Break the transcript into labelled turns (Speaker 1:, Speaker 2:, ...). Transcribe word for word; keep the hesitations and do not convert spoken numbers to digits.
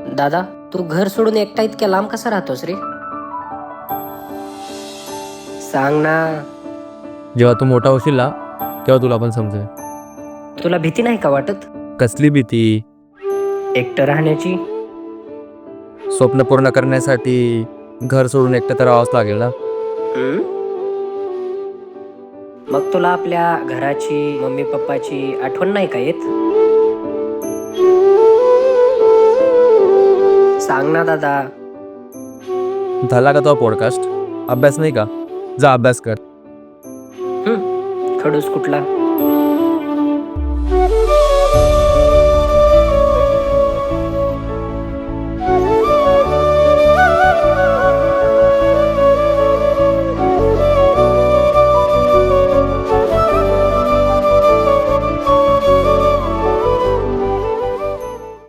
Speaker 1: दादा, तू घर सोडून एकटा इतक्या लांब कसा राहतोस रे? सांग ना.
Speaker 2: जेव्हा तू मोठा होशील ना तेव्हा तुला पण समजेल.
Speaker 1: तुला भीती नाही का वाटत
Speaker 2: कसली भीती?
Speaker 1: एकटं राहण्याची?
Speaker 2: स्वप्न पूर्ण करण्यासाठी घर सोडून एकटं तर राहावंच लागेल ना.
Speaker 1: हम्म? मग तुला आपल्या घराची, मम्मी पप्पाची आठवण नाही का येत? सांग ना दादा.
Speaker 2: झाला का तो पॉडकास्ट? अभ्यास नाही का? जा अभ्यास कर.
Speaker 1: हम्म, खडूस कुठला.